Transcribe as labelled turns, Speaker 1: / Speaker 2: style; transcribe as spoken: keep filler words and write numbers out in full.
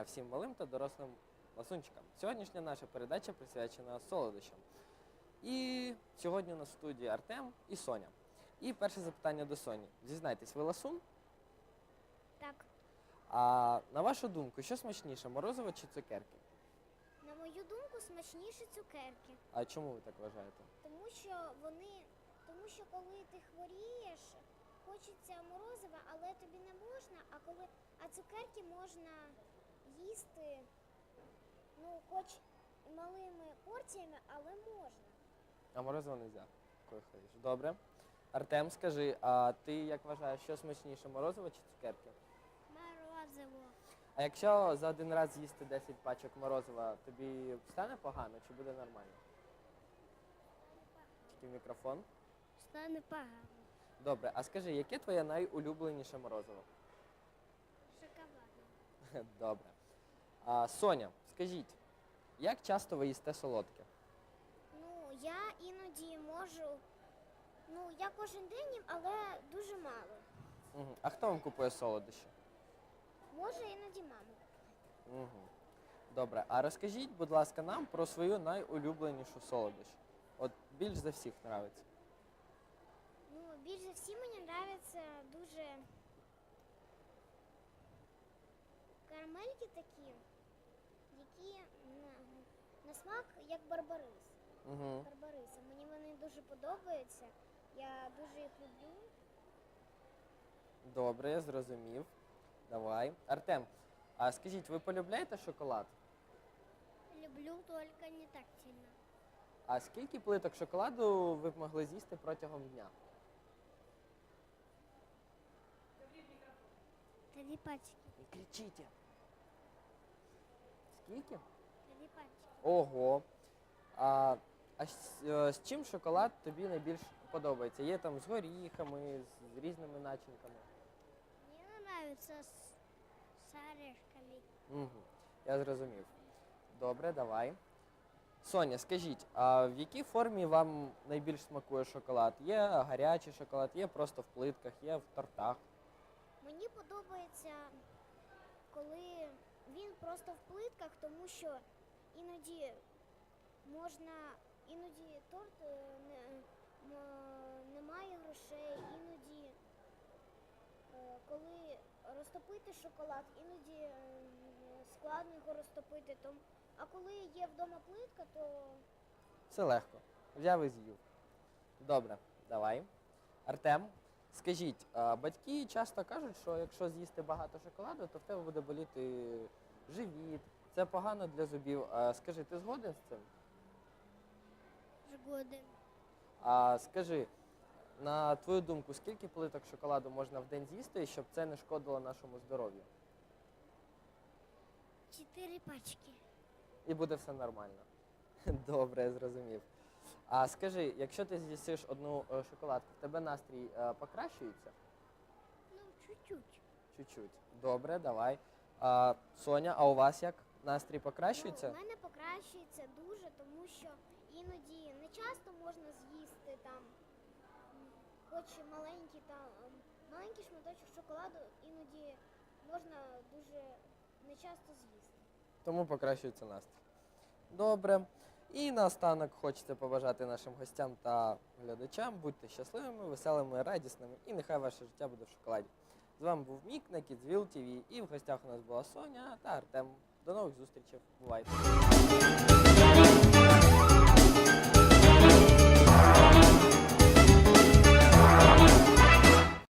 Speaker 1: всім малим та дорослим ласунчикам. Сьогоднішня наша передача присвячена солодощам. І сьогодні у нас в студії Артем і Соня. І перше запитання до Соні. Зізнайтесь, ви ласун?
Speaker 2: Так.
Speaker 1: А на вашу думку, що смачніше, морозиво чи цукерки?
Speaker 2: На мою думку, смачніші цукерки.
Speaker 1: А чому ви так вважаєте?
Speaker 2: Тому що вони, тому що коли ти хворієш, хочеться морозива, але тобі не можна, а коли а цукерки можна їсти, ну, хоч малими порціями, але можна.
Speaker 1: А морозиво не можна, коли ходиш. Добре. Артем, скажи, а ти як вважаєш, що смачніше, морозиво чи цукерки?
Speaker 2: Морозиво.
Speaker 1: А якщо за один раз з'їсти десять пачок морозива, тобі стане погано чи буде нормально? Тільки в мікрофон.
Speaker 2: Стане погано.
Speaker 1: Добре, а скажи, яке твоє найулюбленіше морозиво?
Speaker 2: Шоколадне.
Speaker 1: Добре. А, Соня, скажіть, як часто ви їсте солодке?
Speaker 2: Ну, я іноді можу, ну, я кожен день їм, але дуже мало.
Speaker 1: Угу. А хто вам купує солодощі?
Speaker 2: Може, іноді мама.
Speaker 1: Угу. Добре, а розкажіть, будь ласка, нам про свою найулюбленішу солодощ. От більш за всіх подобається.
Speaker 2: Ну, більш за всі мені подобаються дуже карамельки такі, які на, на смак як барбарис.
Speaker 1: Угу.
Speaker 2: Барбариса. Мені вони дуже подобаються. Я дуже їх люблю.
Speaker 1: Добре, я зрозумів. Давай. Артем, а скажіть, ви полюбляєте шоколад?
Speaker 2: Люблю, тільки не так сильно.
Speaker 1: А скільки плиток шоколаду ви б могли з'їсти протягом дня?
Speaker 2: Три пачки.
Speaker 1: Не кричіть. Скільки?
Speaker 2: Три пачки.
Speaker 1: Ого. А, а з, е, з чим шоколад тобі найбільш подобається? Є там з горіхами, з, з різними начинками?
Speaker 2: Мені подобається з, з орешками.
Speaker 1: Угу. Я зрозумів. Добре, давай. Соня, скажіть, а в якій формі вам найбільш смакує шоколад? Є гарячий шоколад, є просто в плитках, є в тортах.
Speaker 2: Мені подобається, коли він просто в плитках, тому що іноді можна, іноді торт е, не, м- немає грошей, іноді, е, коли розтопити шоколад, іноді е, складно його розтопити. Тому, а коли є вдома плитка, то
Speaker 1: Все легко. Взяв і з'їв. Добре, давай. Артем, скажіть, а батьки часто кажуть, що якщо з'їсти багато шоколаду, то в тебе буде боліти живіт. Це погано для зубів. А скажи, ти згоден з цим?
Speaker 2: згоден.
Speaker 1: А скажи, на твою думку, скільки плиток шоколаду можна в день з'їсти, щоб це не шкодило нашому здоров'ю?
Speaker 2: Чотири пачки.
Speaker 1: І буде все нормально. Добре, я зрозумів. А скажи, якщо ти з'їсиш одну е, шоколадку, в тебе настрій е, покращується?
Speaker 2: Ну, чуть-чуть.
Speaker 1: Чуть-чуть. Добре, давай. А, Соня, а у вас як? Настрій покращується?
Speaker 2: Ну, у мене покращується дуже, тому що іноді не часто можна з'їсти там, м, хоч маленький там ем, маленький шматочок шоколаду, іноді можна дуже не часто з'їсти.
Speaker 1: Тому покращується настрій. Добре. І наостанок хочеться побажати нашим гостям та глядачам. Будьте щасливими, веселими, радісними і нехай ваше життя буде в шоколаді. З вами був Мік на Kidsville ті ві і в гостях у нас була Соня та Артем. До нових зустрічей. Бувайте!